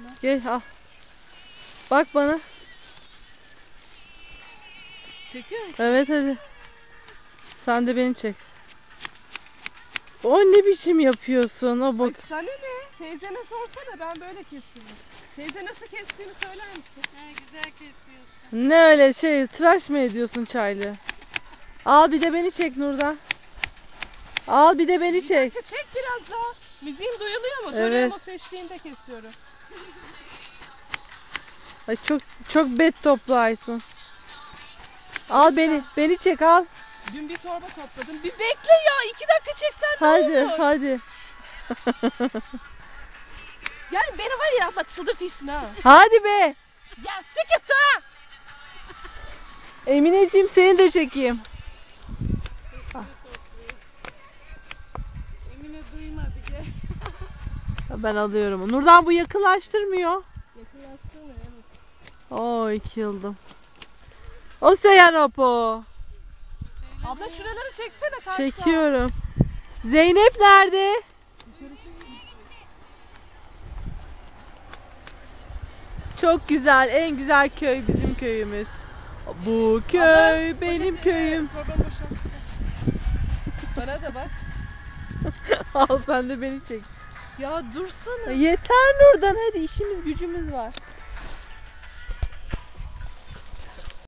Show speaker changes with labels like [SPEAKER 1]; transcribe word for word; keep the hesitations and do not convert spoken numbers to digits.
[SPEAKER 1] Gel al. Bak bana.
[SPEAKER 2] Çekiyor musun?
[SPEAKER 1] Evet hadi. Sen de beni çek. O ne biçim yapıyorsun? O bak.
[SPEAKER 2] Ay sana ne? Teyzene sorsana, ben böyle kesiyorum. Teyze nasıl kestiğini söyler misin?
[SPEAKER 3] He, güzel kesiyorsun.
[SPEAKER 1] Ne öyle şey, tıraş mı ediyorsun çaylı? Al bir de beni çek Nurdan. Al bir de beni
[SPEAKER 2] Bir
[SPEAKER 1] çek.
[SPEAKER 2] dakika, çek biraz daha. Müziğim duyuluyor mu?
[SPEAKER 1] Evet.
[SPEAKER 2] Duyuyor mu seçtiğinde kesiyorum.
[SPEAKER 1] Ay çok çok bet toplu Aysun. Al beni, beni çek al.
[SPEAKER 2] Dün bir torba topladım. Bir bekle ya, iki dakika çeksen ne
[SPEAKER 1] Hadi
[SPEAKER 2] olur?
[SPEAKER 1] hadi.
[SPEAKER 2] Yani beni var ya, bak çıldırtıyorsun ha.
[SPEAKER 1] Hadi be.
[SPEAKER 2] Ya sıkıntı ha.
[SPEAKER 1] Emineciğim seni de çekeyim.
[SPEAKER 3] Emine duymadı gel.
[SPEAKER 1] Ben alıyorum. Nurdan bu yakınlaştırmıyor.
[SPEAKER 2] Yakınlaştırma evet.
[SPEAKER 1] Oo iki yıldım. O Seyanopo.
[SPEAKER 2] Abla şuraları çeksene karşıya.
[SPEAKER 1] Çekiyorum. Zeynep nerede? Çok güzel, en güzel köy bizim köyümüz. Bu köy
[SPEAKER 2] Abla,
[SPEAKER 1] benim
[SPEAKER 2] poşet-
[SPEAKER 1] köyüm.
[SPEAKER 2] Evet, torbanı boşalt. Bana da bak.
[SPEAKER 1] Al sen de beni çek.
[SPEAKER 2] Ya dursana.
[SPEAKER 1] Yeter Nurdan, hadi işimiz gücümüz var.